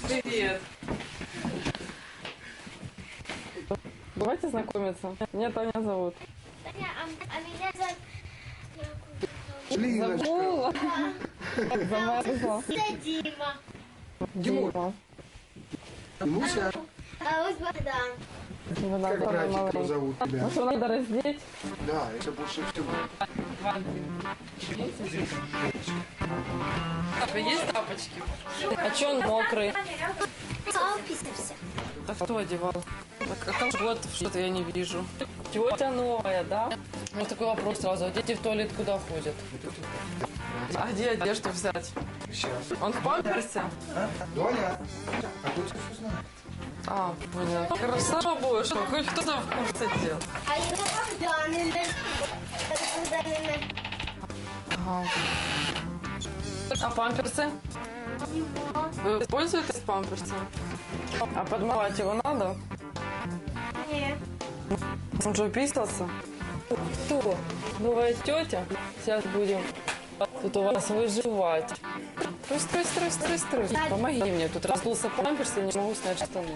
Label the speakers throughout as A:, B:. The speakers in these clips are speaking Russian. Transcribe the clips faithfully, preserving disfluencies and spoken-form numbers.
A: Привет. Давайте знакомиться. Меня Таня зовут.
B: Таня, а, а меня зовут...
A: Забыла? Замерзла.
B: Это Дима.
A: Дима.
C: Димуся,
B: А вот Богдан.
C: как братика зовут тебя?
A: Ну что, надо раздеть?
C: Да, это больше всего.
A: Папа, есть тапочки? А че он мокрый?
B: А он писался.
A: А кто одевал? А колготов что-то я не вижу. Тетя новая, да? У меня такой вопрос сразу. А дети в туалет куда ходят? А где одежду взять?
C: Сейчас.
A: Он в памперсе?
C: А? Доня, а тут все знает.
A: А, понял. Хорошо будет, что хоть кто-то в курсе дел.
B: А это Богдан. Это Богдан.
A: Ага. А памперсы? Вы пользуетесь памперсом? А подмывать его надо?
B: Нет.
A: Он же писался. Кто? Новая тетя? Сейчас будем тут у вас выживать. Строй, строй, строй, строй, строй. Помоги мне. Тут раздулся памперс, я не могу снять штаны.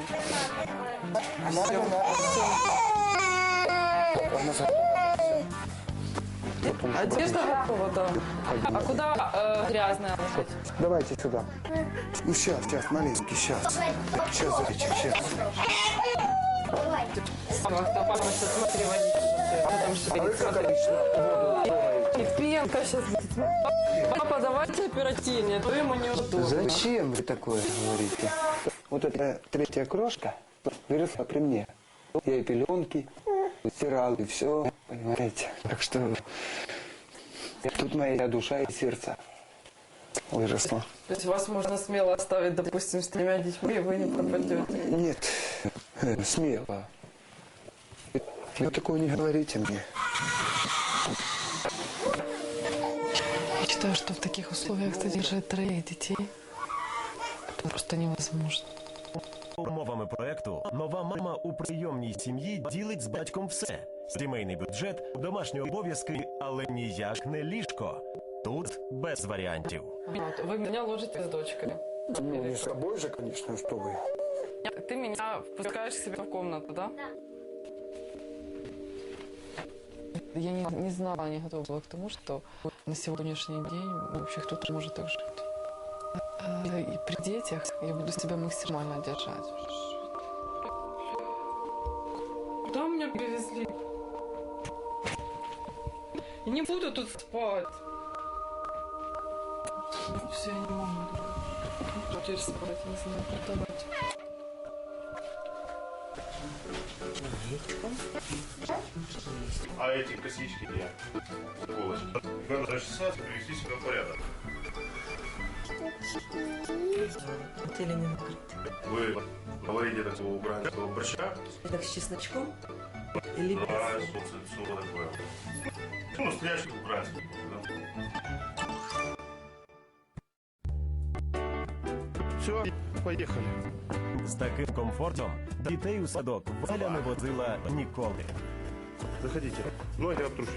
A: Одежда готова, да. А куда э, грязная ложить?
C: Давайте сюда. Ну сейчас, сейчас, маленький, сейчас. Сейчас, зайчик, сейчас.
B: Давай.
A: Папа, сейчас смотри, водичку. Что там шевелится? И пенка сейчас будет. Папа, давайте оперативнее, а то ему неудобно.
C: Зачем вы такое говорите? Вот эта третья крошка выросла при мне. Я и пеленки стирал, и все, понимаете. Так что тут моя душа и сердце выросла.
A: То есть вас можно смело оставить, допустим, с тремя детьми, и вы не пропадете?
C: Нет, э, смело. Вы такое не говорите мне.
A: Я считаю, что в таких условиях содержать троих детей это просто невозможно.
D: Умовами проекту нова мама у прийомній сім'ї ділить з батьком все. Сімейний бюджет, домашні обов'язки, але ніяк не ліжко. Тут без варіантів.
A: Вы меня ложите с дочкой.
C: Ну, не с тобой же, конечно, что вы.
A: Ты меня впускаешь к себе в комнату, да?
B: Да.
A: Я не, не знала, не готова была к тому, что на сегодняшний день вообще кто-то может так жить. И при детях я буду себя максимально держать. Куда меня привезли? Я не буду тут спать. Все, я не могу. Теперь спать, не знаю, куда давать.
E: А эти косички где? Сволочь. Надо расчесаться, привести себя в порядок.
F: Или не накрыто.
E: Вы говорите такого украинского борща?
F: Так с чесночком? Или без?
E: Да, что такое. Ну, настоящий украинский.
G: Все, поехали.
D: З таким комфортом дітей у садок Валя не водила ніколи.
E: Заходите. Ноги обтрушите.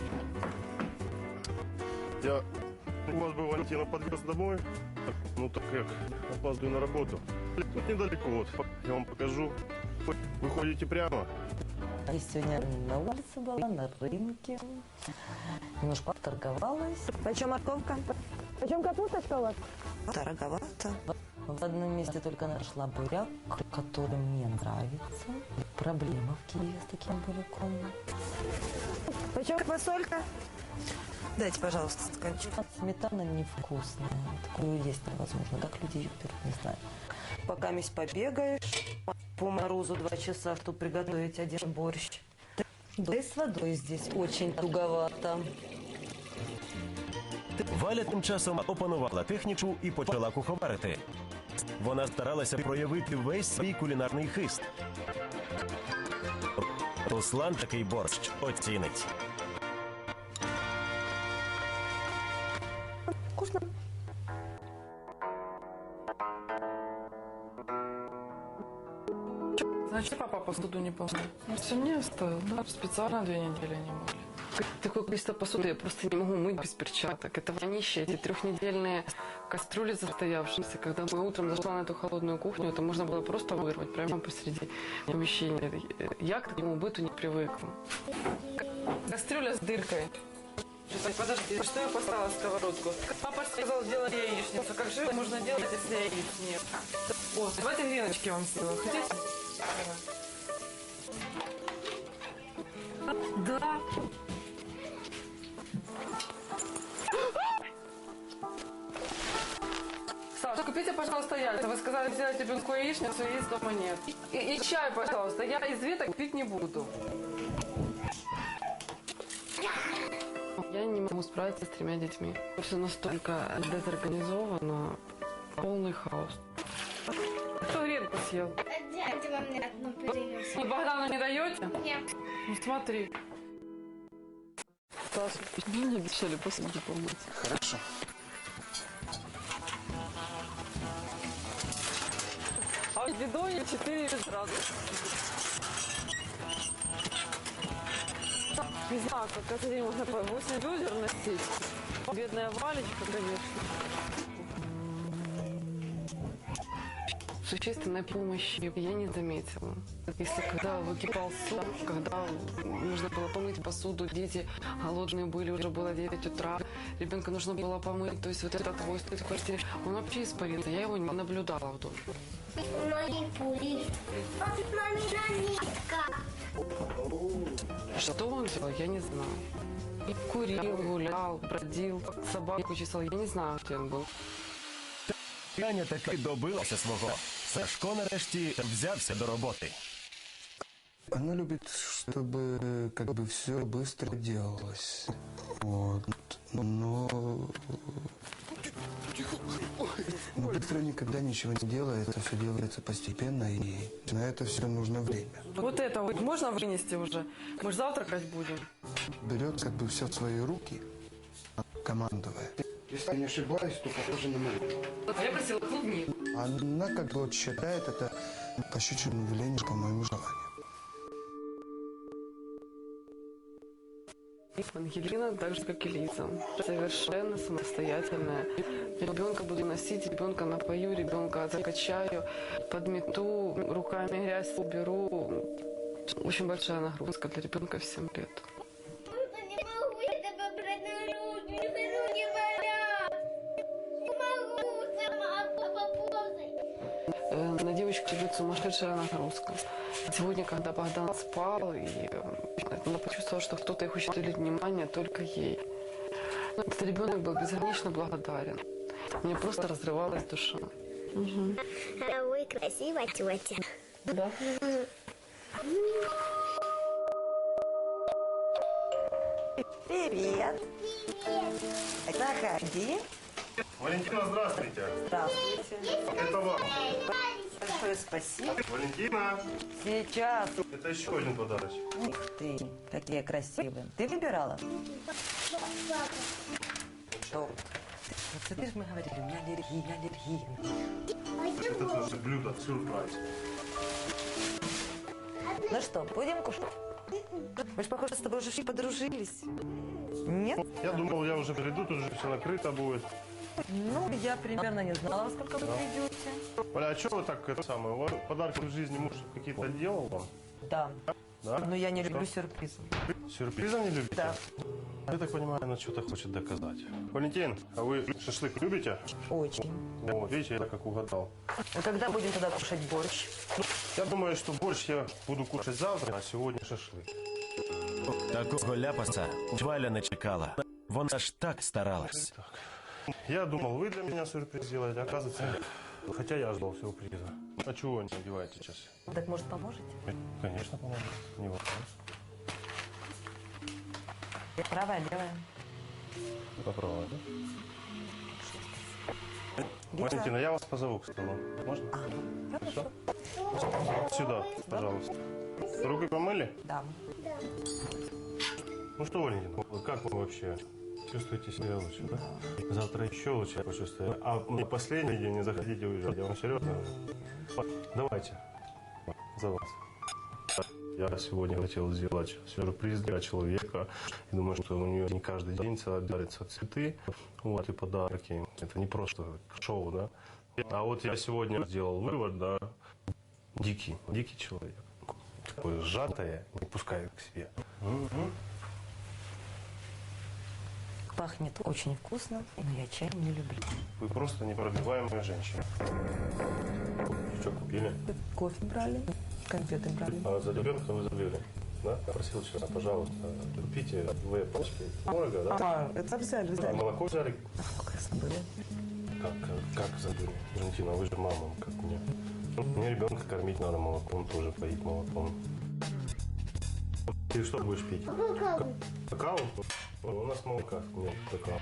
E: Я у вас бы Валентина подвез домой. Ну так как опаздываю на работу. Тут недалеко вот. Я вам покажу. Вы ходите прямо.
F: Я сегодня на улице была, на рынке. Немножко торговалась.
H: Почем морковка? Почем капусточка у вас?
F: Дороговато. В одном месте только нашла буряк, который мне нравится. Проблема в Киеве с таким буряком.
H: Почем фасолька?
F: Дайте, пожалуйста, стаканчик. Сметана невкусная. Такую есть невозможно. Как люди ее берут, не знаю. Пока месть побегаешь, по морозу два часа, чтобы приготовить один борщ. Да и с водой здесь очень туговато.
D: Валя тим часом опанувала техніку і почала куховарити. Вона старалася проявити весь свій кулінарний хист. Руслан такий борщ оцінить.
H: Вкусно.
A: Значит, папа посуду не помыл. Ну, все мне оставил, да? Специально две недели не мыли. Такое количество посуды я просто не могу мыть без перчаток. Это вонище, эти трехнедельные кастрюли застоявшиеся. Когда мы утром зашла на эту холодную кухню, это можно было просто вырвать прямо посреди помещения. Я к такому быту не привыкла. Кастрюля с дыркой. Подожди, что я поставила сковородку? Папа сказал сделать яичницу. Как же можно делать, если яиц нет? О, давайте греночки вам сделаю. Хотите? Да. Саша, купите, пожалуйста, яйца. Вы сказали сделать ребенку яичницу, яиц дома нет. И, и чай, пожалуйста. Я из веток пить не буду. Я не могу справиться с тремя детьми. Все настолько дезорганизовано, полный хаос. Кто гренку съел?
B: Дядя вам мне одну принес.
A: И Богдану не даете?
B: Нет.
A: Ну смотри. Саша, мне обещали посуду помыть.
C: Хорошо.
A: А в бидоне четыре сразу. Не знаю, как каждый день можно по восемь ведер носить. Бедная Валечка, конечно. Существенной помощи я не заметила. Если когда выкипал суп, когда нужно было помыть посуду, дети голодные были, уже было девять утра, ребенка нужно было помыть, то есть вот этот твой стоит в квартире, он вообще испарился, я его не наблюдала в доме.
B: Манипулист. Мамина нитка.
A: Что он делал, я не знаю. И курил, гулял, бродил, собаку чесал, я не знаю, где он был.
D: Аня таки добилася свого. Сашко нарешті взявся до роботи.
C: Она любит, чтобы как бы все быстро делалось. Вот. Но... Но быстро никогда ничего не делается, все делается постепенно, и на это все нужно время.
A: Вот это вот можно вынести уже? Мы же завтракать будем.
C: Берет как бы все в свои руки, командуя. Если я не ошибаюсь, то похоже на мою.
A: А я просила клубнику.
C: Она как бы вот считает это пощечиным велением по моему желанию.
A: Ангелина так же, как и Лиза. Совершенно самостоятельная. Ребенка буду носить, ребенка напою, ребенка закачаю, подмету, руками грязь уберу. Очень большая нагрузка для ребенка в семь лет.
B: Не могу я тебя брать на руки, мне руки болят. Не могу сама, папа, ползай.
A: На девочку идет сумасшедшая нагрузка. Сегодня, когда Богдан спал, и она почувствовала, что кто-то их хочет уделить внимание только ей. Этот ребенок был безгранично благодарен. Мне просто разрывалась душа. Угу.
B: Ой, красивая тетя.
A: Да.
F: Привет. Заходи.
E: Валентина, здравствуйте.
F: Здравствуйте.
E: Это вам.
F: Большое спасибо.
E: Валентина,
F: Сейчас.
E: это еще один подарочек.
F: Ух ты, какие красивые. Ты выбирала? Что? Вот смотри, мы говорили, у меня аллергия, у меня аллергия.
E: Это наше блюдо, сюрприз.
F: Ну что, будем кушать? Мы же, похоже, с тобой уже подружились. Нет?
E: Я думал, я уже приду, тут уже все накрыто будет.
F: Ну, я примерно не знала, во сколько вы придете.
E: Оля, а что вы так, это самое, у вас подарки в жизни муж какие-то делал вам?
F: Да.
E: Да?
F: Но я не
E: Что?
F: люблю сюрпризы.
E: Сюрприза не любите?
F: Да.
E: Я так понимаю, она что-то хочет доказать. Валентин, а вы шашлык любите?
F: Очень.
E: Вот, видите, я как угадал.
F: А когда будем тогда кушать борщ?
E: Я думаю, что борщ я буду кушать завтра, а сегодня шашлык.
D: Такого ляпаса Валя не чекала. Вона ж так старалась.
E: Я думал, вы для меня сюрприз сделаете, оказывается, нет. Хотя я ждал сюрприза. А чего не одеваете сейчас?
F: Так, может, поможете?
E: Конечно, поможет. Не вопрос.
F: Правая, левая.
E: Попробуй, да? Валентина, я вас позову к столу. Можно?
F: А, хорошо.
E: Сюда, пожалуйста. Руки помыли?
F: Да.
E: Ну что, Валентин, как вы вообще чувствуете себя лучше, да? Завтра еще лучше я почувствую. А не последний день, не заходите уезжать. Я вам серьезно. Давайте. За вас. Я сегодня хотел сделать сюрприз для человека. И думаю, что у нее не каждый день дарятся цветы, вот, и подарки. Это не просто шоу, да. А вот я сегодня сделал вывод, да, дикий, дикий человек. Такое сжатое, не пускает к себе.
F: Пахнет очень вкусно, но я чай не люблю.
E: Вы просто непробиваемая женщина. Что купили?
F: Кофе брали, конфеты брали.
E: А за ребенка вы забыли? Да? Просил вчера, пожалуйста, купите две пачки творога, да?
F: А, это взяли,
E: А
F: взяли.
E: молоко взяли?
F: Сколько я забыла?
E: Как, как, как забыли? Валентина, вы же мама, как мне. Мне ребенка кормить надо молоком, тоже поить молоком. Ты что будешь пить?
B: Какао.
E: Какао? У нас молока нет какао.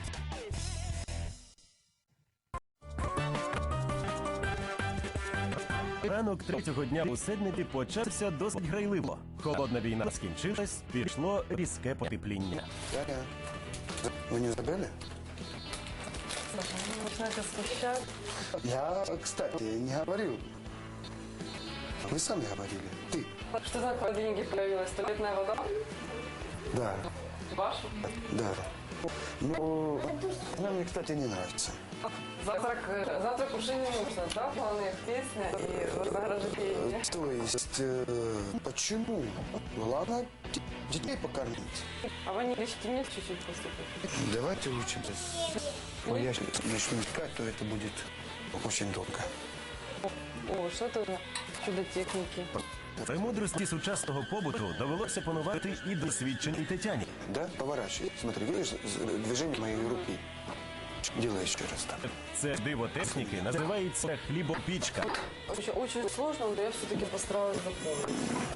D: Ранок третього дня у Седнеті почався досить грайливо. Холодна війна скінчилась, пішло різке потепління.
C: Таня, вы не забыли?
A: Саша, вы начинаете смущать.
C: Я, кстати, не говорил. Вы сами говорили. Ты.
A: Что за в холодильнике появилась? Туалетная вода?
C: Да,
A: Ваша?
C: да. Ну, она мне, кстати, не нравится.
A: Завтрак, э, завтрак уже не нужно, да? Планы, песня и вознаграждение.
C: То есть, э, почему? Ладно, д- детей покормить.
A: А вы не лечите мне чуть-чуть поступить?
C: Давайте лучше. Но я сейчас начну искать, то это будет очень долго.
A: О, что это за чудо техники?
D: Премудрості сучасного побуту довелося панувати і досвідченій Тетяні.
C: Да, поворачивай. Смотри, видишь з- движение моей руки? Делай еще раз так.
D: Це диво техніки називається хлібопічка.
A: Очень, очень сложно, но я все-таки постараюсь запомнить.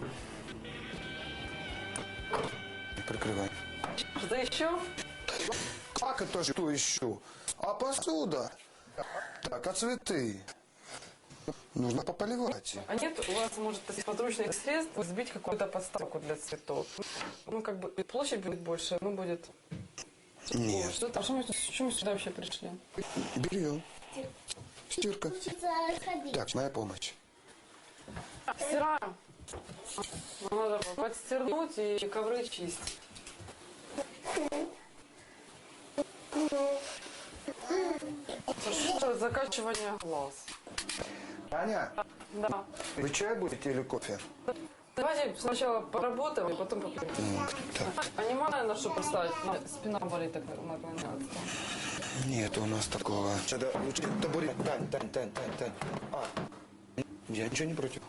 C: Прикрывай.
A: Что еще?
C: Как это что еще? А посуда? Так, а цветы? Нужно пополивать.
A: А нет у вас, может, из подручных средств сбить какую-то подставку для цветов? Ну, как бы площадь будет больше, но будет... О,
C: Нет.
A: что-то, а что мы, что мы сюда вообще пришли?
C: Белье. Стирка.
B: Хочется ходить.
C: Так, моя помощь.
A: Стираем. Ну, надо подстернуть и ковры чистить. Что, закачивание глаз.
C: Аня,
A: Да.
C: вы чай будете или кофе?
A: Давайте сначала поработаем, и потом попьем.
C: Так.
A: А не надо на что поставить? На- Спина болит, так наклоняться.
C: Нет у нас такого. Тогда лучше табурет. Тань, Тань, Тань, Тань, Тань. А, я ничего не против.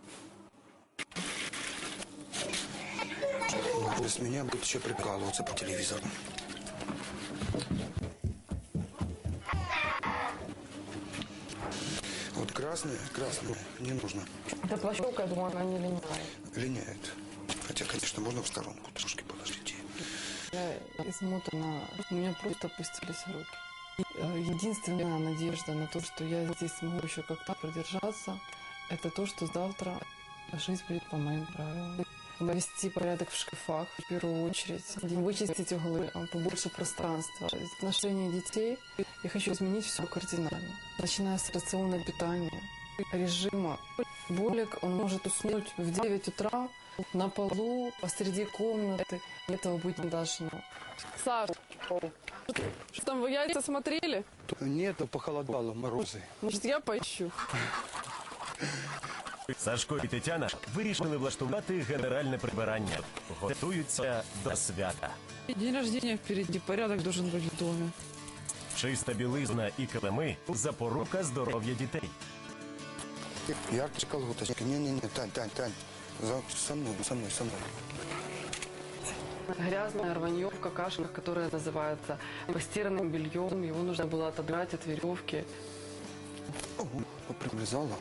C: Но с меня будет еще прикалываться по телевизору. Вот красное, красное не нужно.
A: Да плащевка, я думаю, она не линяет.
C: Линяет. Хотя, конечно, можно в сторонку трошки положить.
A: Я измотана, у меня просто опустились руки. И, э, единственная надежда на то, что я здесь смогу еще как-то продержаться, это то, что завтра жизнь будет по моим правилам. Навести порядок в шкафах, в первую очередь, вычистить углы, а, побольше пространства. В отношении детей я хочу изменить все кардинально. Начиная с рациона питания, режима. Болик, он может уснуть в девять утра на полу, посреди комнаты. Этого быть не должно. Саш, что там, вы яйца смотрели?
C: Нет, похолодало, морозы.
A: Может, я поищу?
D: Сашко і Тетяна вирішили влаштувати генеральне прибирання. Готуються до свята.
A: День рождения впереди, порядок должен быть в доме.
D: Чиста білизна і килими – запорука здоров'я дітей.
C: Ярче колготочки. Не-не-не, Тань, Тань, Тань. За, со мной, со мной, со мной.
A: Грязное рванье в какашках, которое называется постиранным бельем. Его нужно было отодрать от веревки.
C: Ого, примерзало.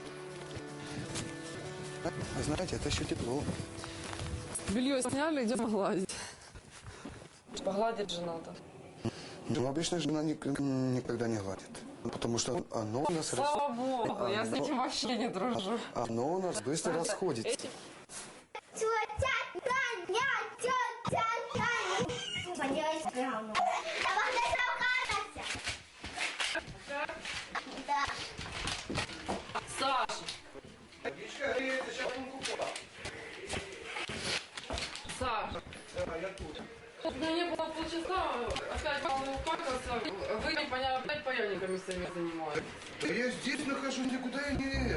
C: Вы знаете, это еще тепло.
A: Белье сняли, идем гладить. Погладить же надо.
C: Ну, обычно жена ник- никогда не гладит. Потому что оно у нас... рас-
A: Слава богу, я с
C: Оно-
A: этим вообще не дружу.
C: Оно у нас быстро расходится.
B: Тетя Таня, тетя Таня. Поделай прямо. А вот это укататься. Да.
A: Саша, Ну, не было полчаса, опять мало упакался. Вы непонятно, опять паяльниками своими занимаетесь.
G: Да я здесь нахожусь, никуда я не...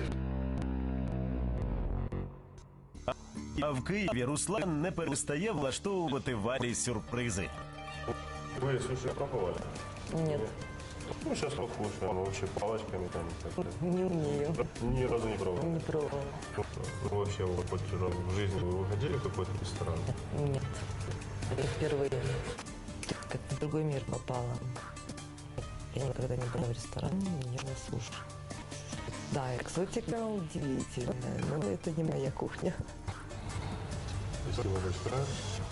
D: А в Києві Руслан не перестає влаштовувати Валі сюрпризи.
E: Вы суши пробовали?
F: Нет,
E: Ну, сейчас покушаем, вообще палочками там. как-то.
F: не умею,
E: Ни разу не пробовал.
F: не пробовала.
E: Ну, вообще, вот, хоть в жизни вы выходили в какой-то ресторан?
F: Нет, это впервые. Как в другой мир попала. Я никогда не была в ресторане, не ела суши. Да, экзотика удивительная, но это не моя кухня.
E: Спасибо большое.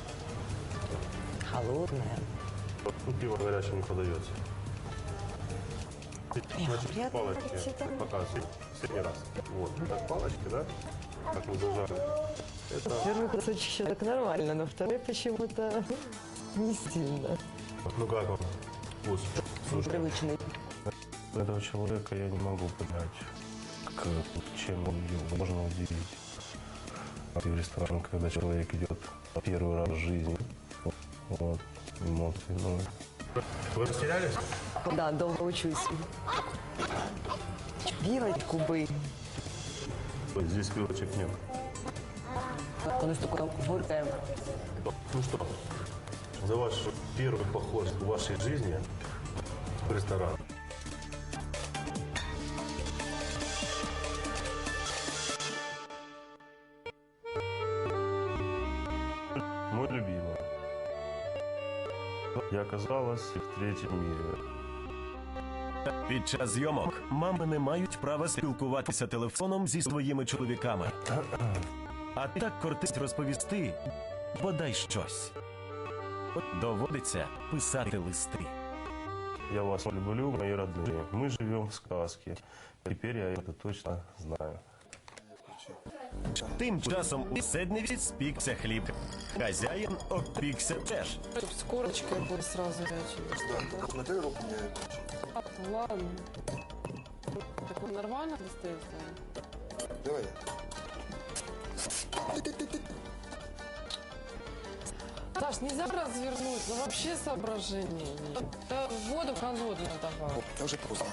F: Холодная.
E: Ну, пиво горячее не подается. Значит,
F: приятно
E: палочки
F: говорить, это-
E: пока средний раз. Вот, так палочки, да? Как мы зажали. Это,
F: Первый кусочек еще так нормально, но второй почему-то не сильно.
E: ну как вам вкус? Слушай,
F: Привычный.
E: этого человека я не могу понять, к, чем он его можно удивить. И в ресторан, когда человек идет первый раз в жизни, вот, эмоции, ну... Вы растерялись?
F: Да, долго учусь. Вилочку бы.
E: Ой, здесь вилочек нет.
F: Он такое горькое.
E: Ну что, за ваш первый поход в вашей жизни в ресторан. Мой любимый. Я оказалась в третьем мире.
D: Під час зйомок мами не мають права спілкуватися телефоном зі своїми чоловіками. А так кортить розповісти бодай щось. Доводиться писати листи.
E: Я вас люблю, мои родные. Мы живем в сказке. Теперь я это точно знаю.
D: Тим часом у Седневі спікся хліб. Хазяїн опікся теж.
A: Чтоб с корочкой было сразу горячее.
G: На ты руку мне...
A: А, ну ладно. Так он нормально достается?
G: Давай.
A: Саш, нельзя развернуть, ну вообще соображения нет. Да воду холодную давай.
G: Это уже поздно.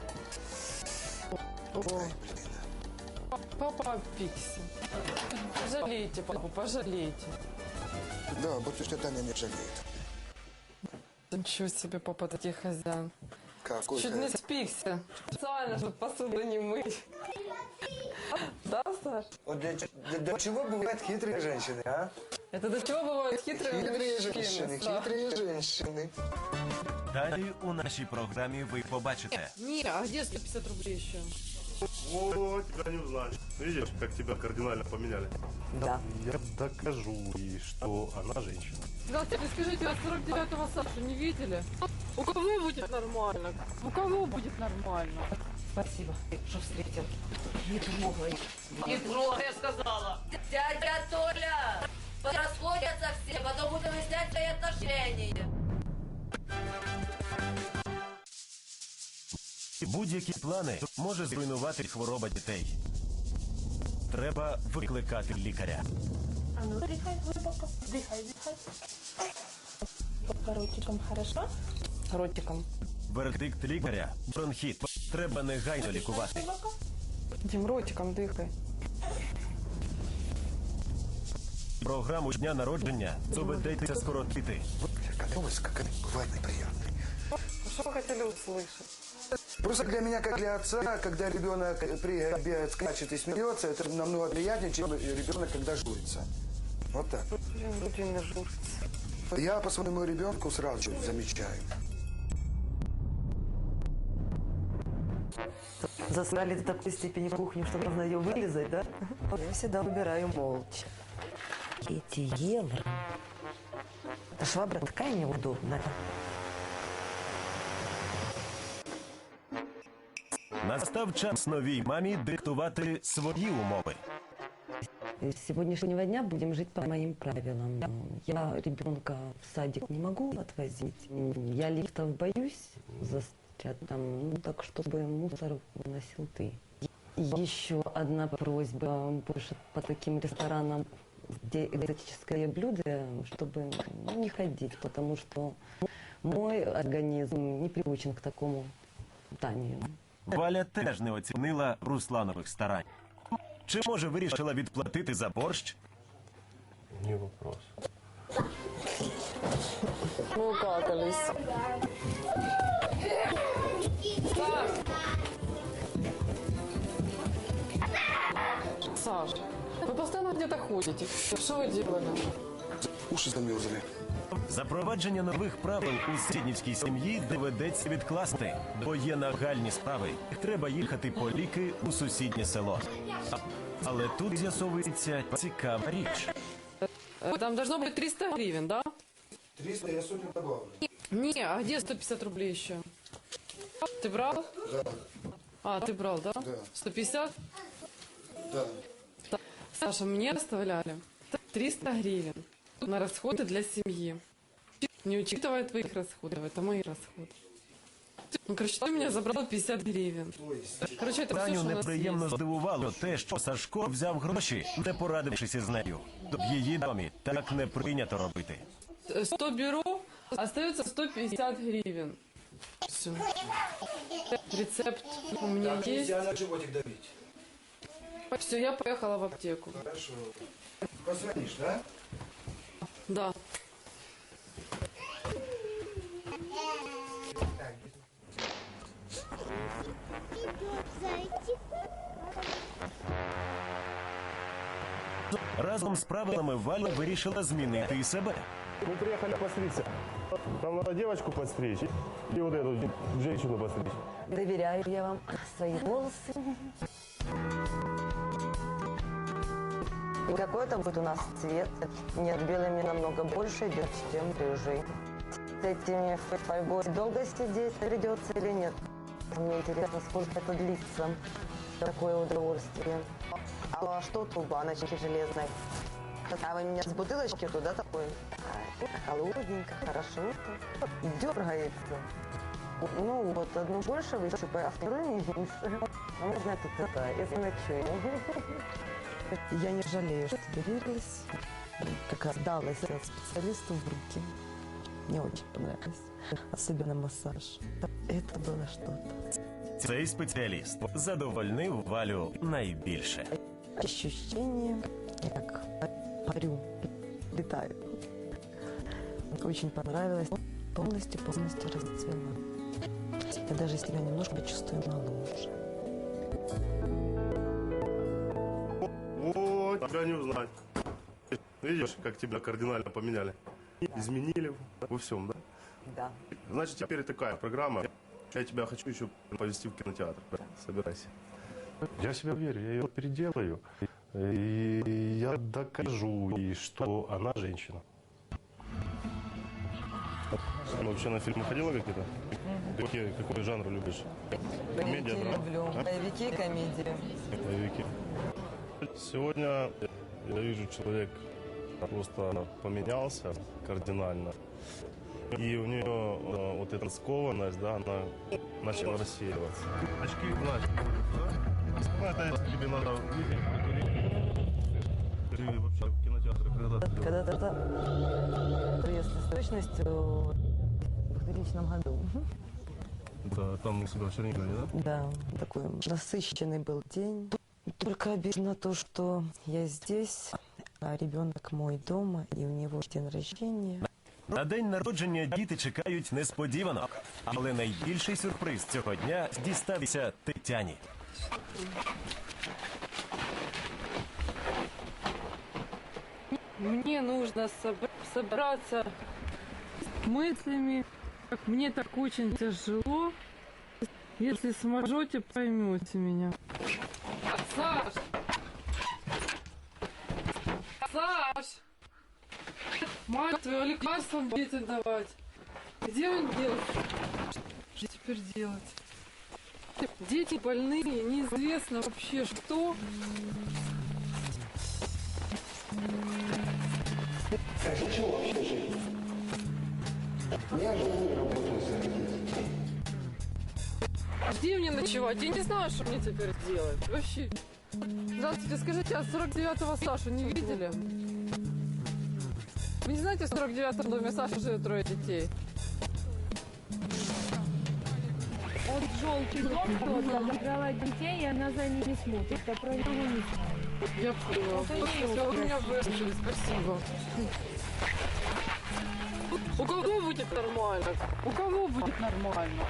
A: О, папа опикся. Пожалейте, папу, пожалейте.
G: Да, батюшка Таня не жалеет.
A: Ничего себе, папа, таких хозяин.
G: Какой
A: Чуть не спикся. Специально, чтобы посуду не мыть. Да, Саш?
C: Вот для, для- для чего бывают хитрые женщины, а?
A: Это до чего бывают хитрые
G: Хитрые
A: мужчины?
G: женщины,
A: Саш?
G: хитрые женщины.
D: Далі у нашій програмі ви побачите.
A: Мира, а где сто пятьдесят рублей еще?
E: Вот, тебя не узнали. Видишь, как тебя кардинально поменяли?
F: Да.
E: Я докажу ей, что она женщина.
A: Здравствуйте, скажите, а сорок девятого Сашу не видели? У кого будет нормально? У кого будет нормально?
F: Спасибо, что встретил. Не трогай.
I: Не трогай, я сказала. Дядя Толя, расходятся все, потом будем выяснять свои отношения.
D: Будь-які плани може зруйнувати хвороба дітей. Треба викликати лікаря.
J: А ну дыхай глубоко. Дыхай, дыхай. Ротиком, хорошо?
A: Ротиком.
D: Вердикт лікаря – бронхіт. Треба негайно лікувати.
J: Глубоко.
A: Дим, ротиком дыхай.
D: Програму дня народження доведеться скоротити.
G: Готовность, как это бывает неприятной.
A: Что вы хотели услышать?
C: Просто для меня, как для отца, когда ребенок прибегает, скачет и смеется, это намного приятнее, чем ребенок, когда журится. Вот так.
A: Блин, Владимир журится.
C: Я по своему ребенку сразу замечаю.
F: Засрали до такой степени кухню, что можно ее вылезать, да? Я всегда выбираю молча. Эти евро. Эта швабра такая неудобная.
D: Настав час новій мамі диктувати свої умови.
F: С сегодняшнего дня будем жить по моим правилам. Я ребенка в садик не могу отвозить. Я лифтов боюсь застрять там, ну так, чтобы мусор выносил ты. И еще одна просьба. Больше по таким ресторанам где экзотическое блюдо, чтобы ну, не ходить, потому что мой организм не приучен к такому питанию.
D: Валя теж не оцінила Русланових старань. Чи, може, вирішила відплатити за борщ?
E: Не вопрос.
A: Мы укакались. Саш! Саш, вы постоянно где-то ходите. Что вы делали?
G: Уши замерзли.
D: Запровадження нових правил у Сіднівській сім'ї доведеться відкласти, бо є нагальні справи. Треба їхати по ліки у сусіднє село. А- Але тут з'ясовується цікава річ.
A: Там должно быть триста гривен, да?
G: триста я сотню добавлю.
A: Не, а где сто пятьдесят рублей еще? Ты брал?
G: Да,
A: А, ты брал, да?
G: Да.
A: сто пятьдесят?
G: да.
A: Саша, мне оставляли триста гривен на расходы для семьи. Не учитывая твоих расходов, это мои расходы. Ну, короче, ты меня забрал пятьдесят гривен. Короче, это все,
D: Таню
A: что у нас
D: неприємно
A: есть.
D: здивувало те, що Сашко взяв гроші, не порадившись із нею. В її домі так не прийнято робити.
A: сто беру, остается сто пятьдесят гривен. Все. Рецепт у меня есть.
G: на животик давить.
A: Все, я поехала в аптеку.
G: Хорошо. Позвонишь, да?
A: Да.
D: Разом з правилами Валя вирішила змінити і себе.
E: Мы приехали постричься. Нам надо девочку подстричь и вот эту женщину постричь.
F: Доверяю я вам свои волосы. И какой это будет у нас цвет? Нет, белый мне намного больше идет, чем рыжий. С этими фольгой долго сидеть придется или нет? Мне интересно, сколько это длится. Такое удовольствие. А что тут у баночки железной? А вы меня с бутылочки туда такой? А, холодненько, хорошо. Дергается. Ну вот, одну больше высыпаю, а вторую меньше. А можно тут это, из ночей. Я не жалею, что доверилась. Как раз далась специалисту в руки. Мне очень понравилось. Особенно массаж. Это было что-то.
D: Цей спеціаліст задовольнив Валю найбільше.
F: Ощущение, как парю, летаю. Очень понравилось. Полностью, полностью расцвела. Я даже себя немножко чувствую моложе.
E: Вот, тебя не узнать. Видишь, как тебя кардинально поменяли? Изменили во всем, да?
F: Да.
E: Значит, теперь такая программа. Я тебя хочу еще повезти в кинотеатр. Собирайся. Я себя верю, я ее переделаю. И я докажу ей, что она женщина. Ты вообще на фильмы ходила какие-то? Какие, какой жанр любишь? Комедия,
F: Боевики
E: драма?
F: люблю.
E: А?
F: Боевики, комедии.
E: Боевики. Сегодня я вижу, человек просто поменялся кардинально. И у нее э, вот эта скованность, да, она начала рассеиваться. Очки, Настя, да? Ну, это если тебе надо видеть, ты вообще в кинотеатре когда ты?
F: Когда-то это, если с точностью, в двухтысячном году.
E: Да, там у себя в Чернигове, да?
F: Да, такой насыщенный был день. Только обидно то, что я здесь, а ребенок мой дома, и у него день рождения.
D: На день народження діти чекають несподіванок. Але найбільший сюрприз цього дня дістався Тетяні.
A: Мне нужно собр- собраться с мыслями. Мне так очень тяжело. Если сможете, поймете меня. Саш! Саш! Мать твою, лекарством детям давать. Где он делся? Что теперь делать? Дети больные, неизвестно вообще что.
C: Так зачем вообще жить? Я живу и работаю за
A: Где мне ночевать? Я не знаю, что мне теперь делать. Вообще. Здравствуйте, скажите, а сорок девятого Сашу не видели? Вы не знаете, в сорок девятом доме Саши живет трое детей?
H: Вот желтый дом кто-то забрала детей, и она за ними смотрит, а про него не знаю.
A: Я поняла. Все, вы меня выслушали, спасибо. У кого будет нормально? У кого будет нормально?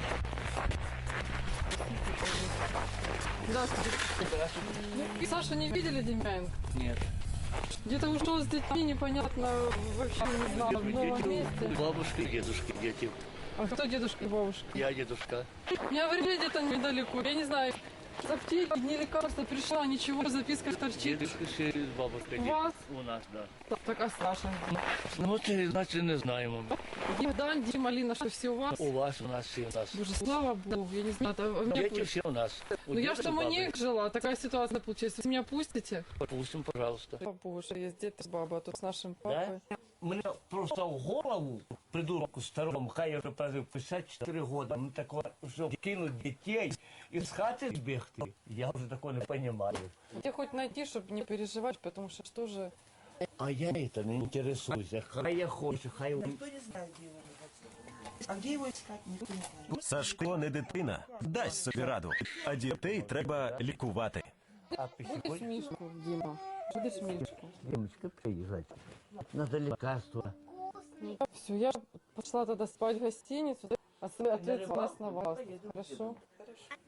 A: Здравствуйте. Здравствуйте. Сашу не видели, Демьяненко?
K: Нет.
A: Где-то ушел с детьми, непонятно, вообще не знаю, в новом месте.
K: Бабушки, дедушки, дети.
A: А кто дедушка и бабушка?
K: Я дедушка.
A: Меня говорили где-то недалеко, я не знаю, с аптеки, не лекарства пришла, ничего, записка торчит.
K: Дедушка с бабушкой.
A: У вас?
K: У нас, да.
A: Так, а Саша?
K: Ну, це, значить, не знаємо.
A: Богдан, Дима, Алина, что все у вас?
K: У вас, у нас, все у нас.
A: Боже, слава Богу, я не знаю, это у меня
K: Дети
A: пусть-
K: все у нас. У
A: Ну я
K: деда
A: ж
K: и
A: там у
K: бабы.
A: них жила, такая ситуация получилась. Вы меня пустите?
K: Пустим, пожалуйста.
A: Слава Богу, что есть дед и баба, а тут с нашим папой.
L: Мене просто в голову, придурку старому, хай я вже прожив п'ятдесят чотири роки, ми такого, що кинуть дітей і з хати збігти, я вже такого не розумію.
A: Где хоть найти, чтобы не переживать, потому что что же...
L: А я это не интересуюся, хай я хочу, хай...
F: Никто не знает, где его искать. А где его искать, никто не знает.
D: Сашко не дитина, дасть собі раду, а дітей треба лікувати.
A: Будешь Мишку, Дима? Будешь Мишку?
L: Дімочка, приїжджайте. Надо лекарства.
A: Все, я пошла тогда спать в гостиницу, а ответственность на вас. Хорошо?